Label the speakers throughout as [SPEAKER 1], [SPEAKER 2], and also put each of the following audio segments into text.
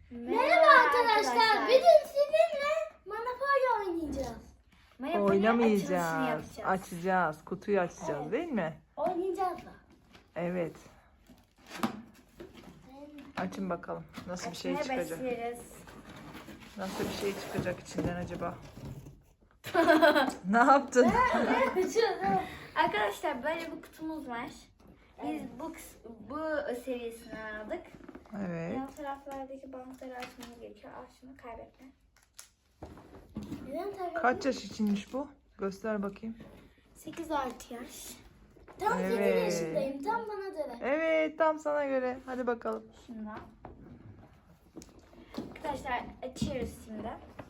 [SPEAKER 1] Merhaba arkadaşlar. Bugün sizinle Monopoly oynayacağız.
[SPEAKER 2] Oynamayacağız. Açacağız. Kutuyu açacağız,
[SPEAKER 1] Evet.
[SPEAKER 2] değil mi?
[SPEAKER 1] Oynayacağız da.
[SPEAKER 2] Evet. Açın bakalım. Nasıl bir şey çıkacak? Nasıl bir şey çıkacak içinden acaba? Ne yaptın?
[SPEAKER 3] Arkadaşlar böyle bir kutumuz var. Biz bu serisini aldık.
[SPEAKER 2] Evet.
[SPEAKER 3] Yan taraflardaki bantları açmamız gerekiyor. Al şunu, kaybetme.
[SPEAKER 2] Kaç yaş içinmiş bu? Göster bakayım.
[SPEAKER 3] 8 artı yaş.
[SPEAKER 1] Tam 7
[SPEAKER 2] Evet.
[SPEAKER 1] yaşındayım. Tam bana göre.
[SPEAKER 2] Evet, tam sana göre. Hadi bakalım.
[SPEAKER 3] Şundan. Arkadaşlar açıyoruz şimdi.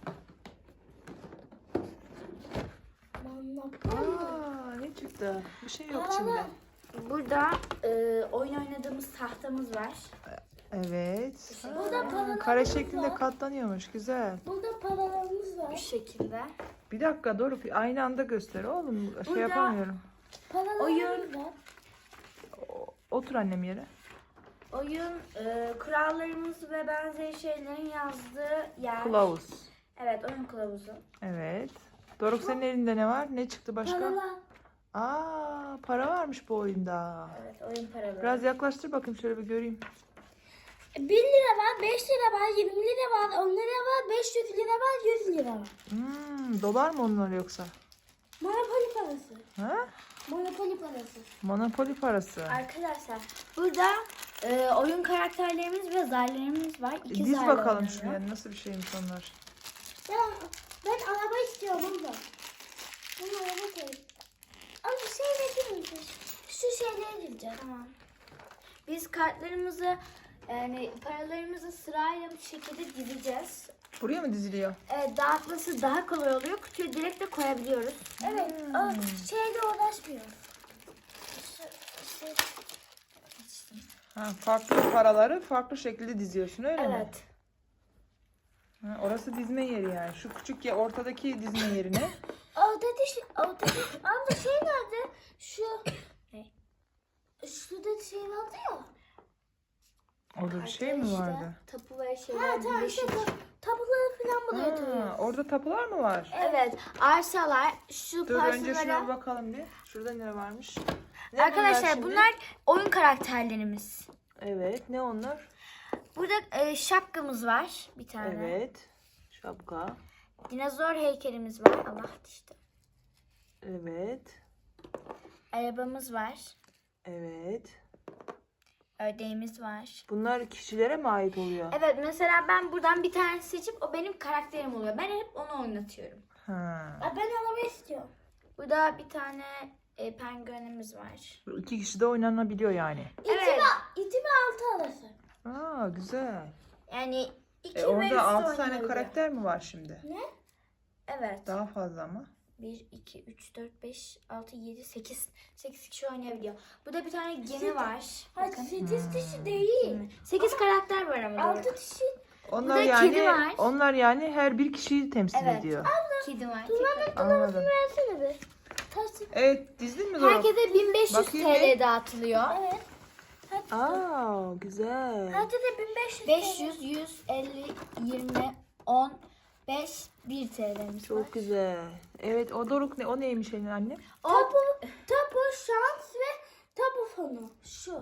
[SPEAKER 1] Monopoly.
[SPEAKER 2] Aa, ne çıktı? Bir şey yok
[SPEAKER 1] Paralı.
[SPEAKER 2] içinde.
[SPEAKER 3] Burada oyun oynadığımız tahtamız var.
[SPEAKER 2] Evet.
[SPEAKER 1] Burada paralarımız
[SPEAKER 2] Kare şeklinde
[SPEAKER 1] var.
[SPEAKER 2] katlanıyormuş. Güzel.
[SPEAKER 1] Burada paralarımız
[SPEAKER 3] Bu
[SPEAKER 1] var.
[SPEAKER 3] şekilde.
[SPEAKER 2] Bir dakika Doruk, aynı anda göster oğlum. Şey
[SPEAKER 3] Burada-
[SPEAKER 2] yapamıyorum.
[SPEAKER 1] Paralarımız var.
[SPEAKER 2] Otur annem yere.
[SPEAKER 3] Oyun kurallarımız ve benzeri şeylerin yazdığı yer.
[SPEAKER 2] Kılavuz.
[SPEAKER 3] Evet, oyun kılavuzu.
[SPEAKER 2] Evet. Doruk, senin elinde ne var? Ne çıktı başka?
[SPEAKER 1] Paralar.
[SPEAKER 2] Aa, para varmış bu oyunda.
[SPEAKER 3] Evet, oyun paraları.
[SPEAKER 2] Biraz yaklaştır bakayım, şöyle bir göreyim.
[SPEAKER 1] 1 lira var, 5 lira var, 20 lira var, 10 lira var, 500 lira var, 100 lira var.
[SPEAKER 2] Dolar mı onlar yoksa?
[SPEAKER 1] Monopoly parası.
[SPEAKER 2] Ha?
[SPEAKER 1] Monopoly parası.
[SPEAKER 2] Monopoly parası.
[SPEAKER 3] Arkadaşlar burada oyun karakterlerimiz ve zarlarımız var. İki
[SPEAKER 2] Diz
[SPEAKER 3] zarla
[SPEAKER 2] bakalım
[SPEAKER 3] oynanıyor.
[SPEAKER 2] şuraya, nasıl bir şeymiş onlar.
[SPEAKER 1] Ben araba istiyorum abla. Ben araba koyayım. Ama şey ne misin? Şu şeyleri diyeceğim.
[SPEAKER 3] Tamam. Biz kartlarımızı yani paralarımızı sırayla bu şekilde dizeceğiz.
[SPEAKER 2] Buraya mı diziliyor?
[SPEAKER 3] Dağıtması daha kolay oluyor. Kutuya direkt de koyabiliyoruz.
[SPEAKER 1] Evet. O şeyle uğraşmıyorum.
[SPEAKER 2] Ha, farklı paraları farklı şekilde diziyorsun, öyle mi?
[SPEAKER 3] Evet.
[SPEAKER 2] Ha, orası dizme yeri yani. Şu küçük ya ortadaki dizme yerine.
[SPEAKER 1] Ortadaki abla şey nerede? Şu
[SPEAKER 3] Ne?
[SPEAKER 1] şurada şey vardı ya.
[SPEAKER 2] Orada bir şey mi
[SPEAKER 3] İşte
[SPEAKER 2] vardı?
[SPEAKER 3] tapu ve
[SPEAKER 1] Ha
[SPEAKER 3] şeyler
[SPEAKER 1] tamam
[SPEAKER 3] birleşik.
[SPEAKER 1] işte tabuları falan buraya
[SPEAKER 2] Ha,
[SPEAKER 1] koyuyoruz.
[SPEAKER 2] orada tapular mı var?
[SPEAKER 3] Evet. Arsalar şu
[SPEAKER 2] Dur önce şuna bir
[SPEAKER 3] parsalara.
[SPEAKER 2] bakalım bir. Şurada ne varmış? Ne
[SPEAKER 3] Arkadaşlar
[SPEAKER 2] şimdi?
[SPEAKER 3] bunlar oyun karakterlerimiz.
[SPEAKER 2] Evet, ne onlar?
[SPEAKER 3] Burada şapkamız var bir tane.
[SPEAKER 2] Evet. Şapka.
[SPEAKER 3] Dinozor heykelimiz var. Allah işte.
[SPEAKER 2] Evet.
[SPEAKER 3] Arabamız var.
[SPEAKER 2] Evet.
[SPEAKER 3] Ördeğimiz var.
[SPEAKER 2] Bunlar kişilere mi ait oluyor?
[SPEAKER 3] Evet, mesela ben buradan bir tane seçip o benim karakterim oluyor. Ben hep onu oynatıyorum.
[SPEAKER 2] Ha.
[SPEAKER 1] Ben araba istiyorum.
[SPEAKER 3] Burada bir tane penguenimiz var.
[SPEAKER 2] Bu İki kişi de oynanabiliyor yani.
[SPEAKER 3] Evet.
[SPEAKER 1] İti ve altı arası.
[SPEAKER 2] Aa, güzel.
[SPEAKER 3] Yani iki ve üstü
[SPEAKER 2] Orada 6 tane
[SPEAKER 3] oynanabiliyor.
[SPEAKER 2] karakter mi var şimdi?
[SPEAKER 3] Evet.
[SPEAKER 2] Daha fazla mı?
[SPEAKER 3] 1, 2, 3, 4, 5, 6, 7, 8. 8 kişi oynayabiliyor. Burada bir tane gemi var.
[SPEAKER 1] Hayır
[SPEAKER 3] Bakın.
[SPEAKER 1] 8 kişi değil.
[SPEAKER 3] 8 karakter var ama.
[SPEAKER 1] 6 kişi.
[SPEAKER 2] Onlar
[SPEAKER 3] Burada
[SPEAKER 2] yani
[SPEAKER 3] kedi var.
[SPEAKER 2] onlar yani her bir kişiyi temsil
[SPEAKER 3] Evet.
[SPEAKER 2] ediyor.
[SPEAKER 3] Kedi var.
[SPEAKER 2] Anladım.
[SPEAKER 1] Versene bir. Taş.
[SPEAKER 2] Evet, dizdin mi Doruk?
[SPEAKER 3] Herkese 1500
[SPEAKER 2] Bakayım
[SPEAKER 3] TL dağıtılıyor.
[SPEAKER 1] Evet.
[SPEAKER 2] Aa, güzel.
[SPEAKER 1] Hadi de 1500.
[SPEAKER 3] 500, 100, 50, 20, 10, 5, 1 TL'miz var.
[SPEAKER 2] Çok güzel. Evet, o Doruk ne? O neymiş senin anne?
[SPEAKER 1] Tapu, şans ve tapu fonu. Şu.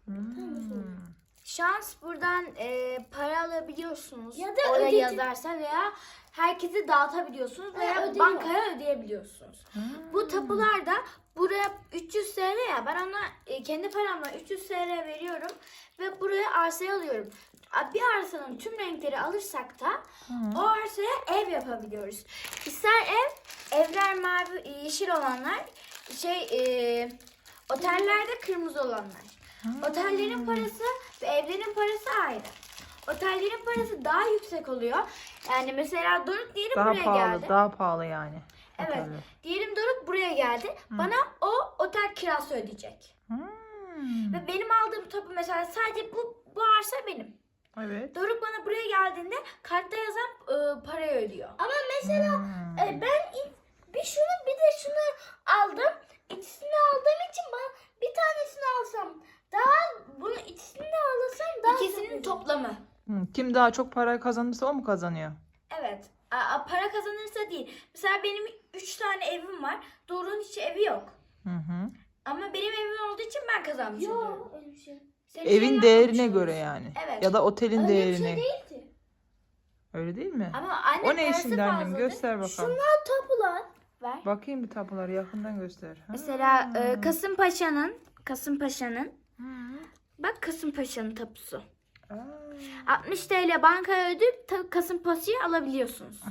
[SPEAKER 3] Şans buradan para alabiliyorsunuz.
[SPEAKER 1] Ya da
[SPEAKER 3] oraya
[SPEAKER 1] ödedi-
[SPEAKER 3] yazarsa veya herkese dağıtabiliyorsunuz veya
[SPEAKER 1] ödüyor.
[SPEAKER 3] bankaya ödeyebiliyorsunuz. Bu tapular da buraya 300 TL ya, ben ona kendi paramla 300 TL veriyorum ve buraya arsayı alıyorum. Bir arsanın tüm renkleri alırsak da o arsaya ev yapabiliyoruz. İster evler mavi, yeşil olanlar, otellerde kırmızı olanlar. Otellerin parası ve evlerin parası ayrı. Otellerin parası daha yüksek oluyor. Yani mesela Doruk diyelim
[SPEAKER 2] Daha
[SPEAKER 3] buraya
[SPEAKER 2] pahalı,
[SPEAKER 3] geldi.
[SPEAKER 2] daha pahalı yani.
[SPEAKER 3] Evet.
[SPEAKER 2] Oteller.
[SPEAKER 3] Diyelim Doruk buraya geldi. Bana o otel kirası ödeyecek. Ve benim aldığım tapu mesela sadece bu arsa benim.
[SPEAKER 2] Evet.
[SPEAKER 3] Doruk bana buraya geldiğinde kartta yazan parayı ödüyor.
[SPEAKER 1] Ama mesela ben bir şunu bir de şunu aldım. İkisini aldığım için ben bir tanesini alsam daha bunu ikisini de alırsam daha
[SPEAKER 3] İkisinin
[SPEAKER 1] çok
[SPEAKER 3] toplamı.
[SPEAKER 2] Kim daha çok para kazanırsa o mu kazanıyor?
[SPEAKER 3] Evet. Para kazanırsa değil. Mesela benim 3 tane evim var. Doruk'un hiç evi yok.
[SPEAKER 2] Hı hı.
[SPEAKER 3] Ama benim evim olduğu için ben kazanmış oluyorum.
[SPEAKER 1] Yok öyle bir şey.
[SPEAKER 3] Senin evin
[SPEAKER 2] Evin
[SPEAKER 3] yok
[SPEAKER 2] değerine
[SPEAKER 3] mu?
[SPEAKER 2] göre yani.
[SPEAKER 3] Evet.
[SPEAKER 2] Ya da otelin
[SPEAKER 1] Öyle bir
[SPEAKER 2] değerine.
[SPEAKER 1] şey değil ki.
[SPEAKER 2] Öyle değil mi?
[SPEAKER 3] Ama anne
[SPEAKER 2] O ne
[SPEAKER 3] parası
[SPEAKER 2] şimdi annem?
[SPEAKER 3] fazladır.
[SPEAKER 2] Göster bakalım.
[SPEAKER 1] Şunlar tapular.
[SPEAKER 3] Ver.
[SPEAKER 2] Bakayım bir tapuları yakından göster. Ha.
[SPEAKER 3] Mesela Kasımpaşa'nın
[SPEAKER 2] Hı.
[SPEAKER 3] bak Kasımpaşa'nın tapusu.
[SPEAKER 2] Aa.
[SPEAKER 3] 60 TL bankaya ödeyip Kasımpaşa'yı alabiliyorsunuz.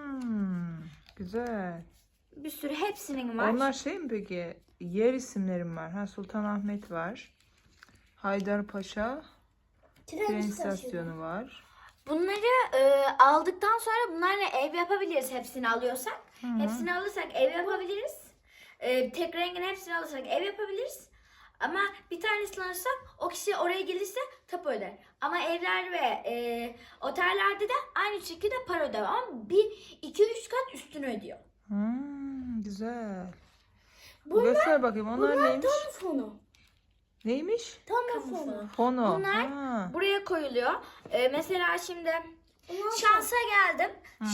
[SPEAKER 2] Güzel.
[SPEAKER 3] Bir sürü hepsinin var.
[SPEAKER 2] Onlar şey mi peki? Yer isimlerim var. Ha, Sultanahmet var. Haydarpaşa tren istasyonu var.
[SPEAKER 3] Bunları aldıktan sonra bunlarla ev yapabiliriz hepsini alıyorsak. Hepsini alırsak ev yapabiliriz. Tek rengin hepsini alırsak ev yapabiliriz. Ama bir tanesini alırsak o kişi oraya gelirse tapu öder. Ama evler ve otellerde de aynı şekilde para öder. Ama 2-3 kat üstünü ödüyor.
[SPEAKER 2] Güzel.
[SPEAKER 1] Bunlar,
[SPEAKER 2] Göster bakayım onlar
[SPEAKER 1] bunlar
[SPEAKER 2] neymiş?
[SPEAKER 1] tam fonu.
[SPEAKER 2] Neymiş?
[SPEAKER 1] Tam fonu.
[SPEAKER 2] Fono.
[SPEAKER 3] Bunlar
[SPEAKER 2] Ha.
[SPEAKER 3] buraya koyuluyor. Mesela şimdi
[SPEAKER 1] Bunlar
[SPEAKER 3] şansa geldim.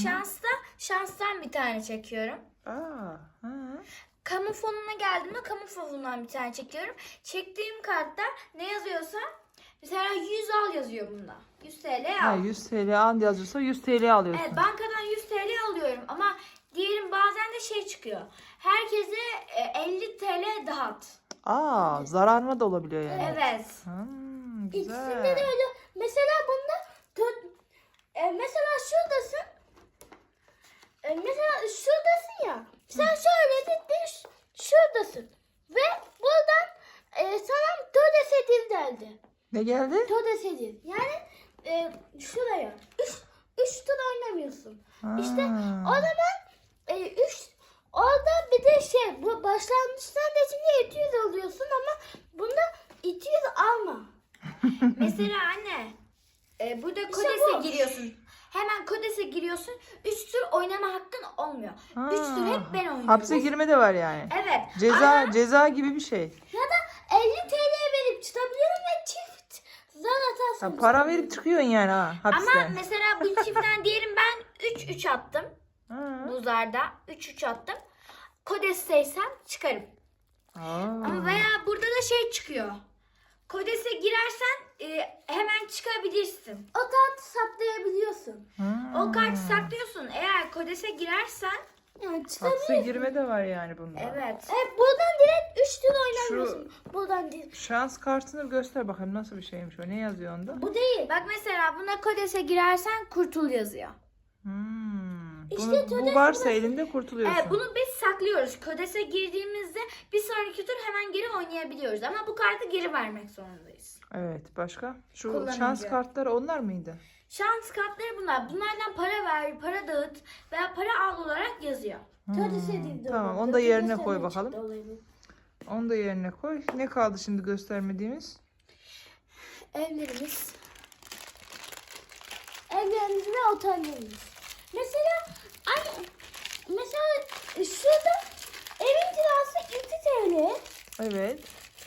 [SPEAKER 3] Şanstan bir tane çekiyorum.
[SPEAKER 2] Ha.
[SPEAKER 3] Kamu fonuna geldiğimde kamu fonundan bir tane çekiyorum. Çektiğim kartta ne yazıyorsa mesela 100 al yazıyor bunda. 100 TL
[SPEAKER 2] Ha,
[SPEAKER 3] al.
[SPEAKER 2] 100 TL an yazıyorsa 100 TL alıyorsun.
[SPEAKER 3] Evet, bankadan 100 TL alıyorum ama diyelim bazen de şey çıkıyor. Herkese 50 TL dağıt.
[SPEAKER 2] Zararına da olabiliyor yani.
[SPEAKER 3] Evet.
[SPEAKER 2] Güzel.
[SPEAKER 1] İkisinde de öyle. Mesela bunda mesela şuradasın. Mesela şuradasın ya. Sen şöyle gittin şuradasın. Ve buradan sana tödesedil geldi.
[SPEAKER 2] Ne geldi?
[SPEAKER 1] Tödesedil. Yani şuraya. Üç tur oynamıyorsun. İşte o zaman orada bir de bu başlangıçtan da şimdi 200 alıyorsun ama bunda 200 alma.
[SPEAKER 3] Mesela anne burada
[SPEAKER 1] İşte
[SPEAKER 3] Kodes'e
[SPEAKER 1] bu.
[SPEAKER 3] giriyorsun. Hemen Kodes'e giriyorsun. 3 tur oynama hakkın olmuyor. 3 tur hep ben oynuyorum.
[SPEAKER 2] Hapse girme de var yani.
[SPEAKER 3] Evet.
[SPEAKER 2] Ceza gibi bir şey.
[SPEAKER 1] Ya da 50 TL verip çıkabiliyorum ve çift zar atarsın.
[SPEAKER 2] Para verip çıkıyorsun yani hapisten.
[SPEAKER 3] Ama mesela bu çiftten diyelim ben 3-3 attım.
[SPEAKER 2] Ha.
[SPEAKER 3] Bu zarda 3-3 attım. Kodes'teysem çıkarım. Ama veya burada da şey çıkıyor. Kodes'e girersen hemen çıkabilirsin.
[SPEAKER 1] O kartı saplayabiliyorsun.
[SPEAKER 3] O kartı saklıyorsun. Eğer Kodes'e girersen
[SPEAKER 1] Yani
[SPEAKER 2] Hapse
[SPEAKER 1] çıkabiliyorsun.
[SPEAKER 2] girme de var yani bunda.
[SPEAKER 3] evet.
[SPEAKER 1] Buradan direkt 3 tur oynamıyorsun. Buradan değil.
[SPEAKER 2] Şans kartını göster bakalım nasıl bir şeymiş o. Ne yazıyor onda?
[SPEAKER 1] Bu değil.
[SPEAKER 3] Bak mesela buna Kodes'e girersen kurtul yazıyor.
[SPEAKER 1] İşte
[SPEAKER 2] Bu varsa elinde kurtuluyorsun.
[SPEAKER 3] Evet, bunu biz saklıyoruz. Kodes'e girdiğimizde bir sonraki tur hemen geri oynayabiliyoruz. Ama bu kartı geri vermek zorundayız.
[SPEAKER 2] Evet, başka? Şu
[SPEAKER 3] Kullanınca.
[SPEAKER 2] şans kartları onlar mıydı?
[SPEAKER 3] Şans kartları bunlar. Bunlardan para ver, para dağıt veya para al olarak yazıyor.
[SPEAKER 1] Tödesedil de
[SPEAKER 2] Tamam,
[SPEAKER 1] olur.
[SPEAKER 2] onu da yerine
[SPEAKER 1] Tödesedil
[SPEAKER 2] koy
[SPEAKER 1] çıktı
[SPEAKER 2] bakalım.
[SPEAKER 1] olayı.
[SPEAKER 2] Onu da yerine koy. Ne kaldı şimdi göstermediğimiz?
[SPEAKER 1] Evlerimiz. Evlerimiz ve otellerimiz. Mesela şurada evin kirası 2 TL.
[SPEAKER 2] Evet.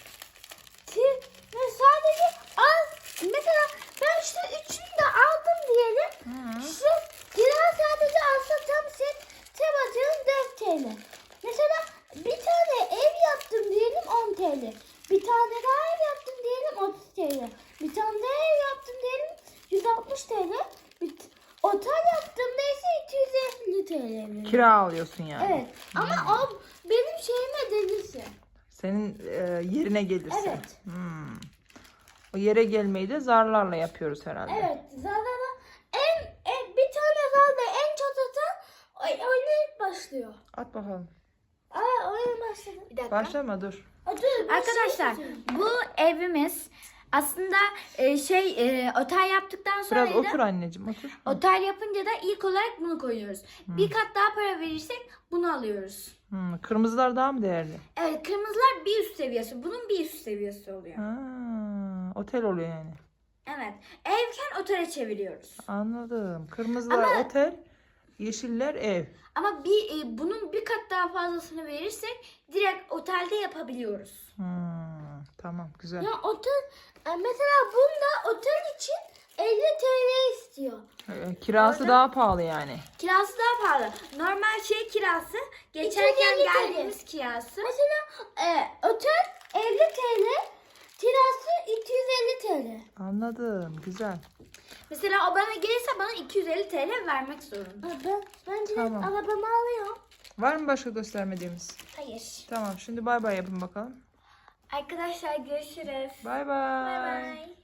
[SPEAKER 1] Ve sadece mesela ben şu üçünü de aldım diyelim. Şu kira sadece alsa tam sen atıyorum 4 TL. Mesela bir tane ev yaptım diyelim 10 TL. Bir tane daha ev yaptım diyelim 30 TL. Bir tane daha ev yaptım diyelim 160 TL. Otel yaptığımda ise 250 TL veriyorum.
[SPEAKER 2] Kira alıyorsun yani.
[SPEAKER 1] Evet ama o benim şeyime delirse.
[SPEAKER 2] Senin yerine gelirse.
[SPEAKER 1] Evet.
[SPEAKER 2] O yere gelmeyi de zarlarla yapıyoruz herhalde.
[SPEAKER 1] Evet. Zaten bir tane zalda en çok atan oynayıp başlıyor.
[SPEAKER 2] At bakalım.
[SPEAKER 1] Oyun başladı.
[SPEAKER 3] Bir dakika.
[SPEAKER 2] Başlama dur.
[SPEAKER 1] Dur, ben
[SPEAKER 3] Arkadaşlar
[SPEAKER 1] şey yapacağım.
[SPEAKER 3] bu evimiz aslında otel yaptıktan sonra
[SPEAKER 2] Biraz
[SPEAKER 3] da
[SPEAKER 2] otur anneciğim otur.
[SPEAKER 3] otel yapınca da ilk olarak bunu koyuyoruz. Bir kat daha para verirsek bunu alıyoruz.
[SPEAKER 2] Kırmızılar daha mı değerli?
[SPEAKER 3] Evet, kırmızılar bir üst seviyesi. Bunun bir üst seviyesi oluyor.
[SPEAKER 2] Otel oluyor yani.
[SPEAKER 3] Evet. Evken otele çeviriyoruz.
[SPEAKER 2] Anladım. Kırmızılar otel, yeşiller ev.
[SPEAKER 3] Ama bunun bir kat daha fazlasını verirsek direkt otelde yapabiliyoruz.
[SPEAKER 2] Tamam güzel.
[SPEAKER 1] Ya otel mesela bunda otel için 50 TL istiyor.
[SPEAKER 2] Kirası
[SPEAKER 3] Orada-
[SPEAKER 2] daha pahalı yani.
[SPEAKER 3] Kirası daha pahalı. Normal şey kirası, geçerken
[SPEAKER 1] 250 TL.
[SPEAKER 3] geldiğimiz kirası.
[SPEAKER 1] Mesela otel 50 TL, kirası 250 TL.
[SPEAKER 2] Anladım. Güzel.
[SPEAKER 3] Mesela o bana gelirse bana 250 TL vermek zorunda.
[SPEAKER 1] Ben direkt
[SPEAKER 2] Tamam.
[SPEAKER 1] arabamı alıyorum.
[SPEAKER 2] Var mı başka göstermediğimiz?
[SPEAKER 3] Hayır.
[SPEAKER 2] Tamam. Şimdi bay bay yapın bakalım.
[SPEAKER 3] Arkadaşlar görüşürüz.
[SPEAKER 2] Bay bay.
[SPEAKER 3] Bay bay.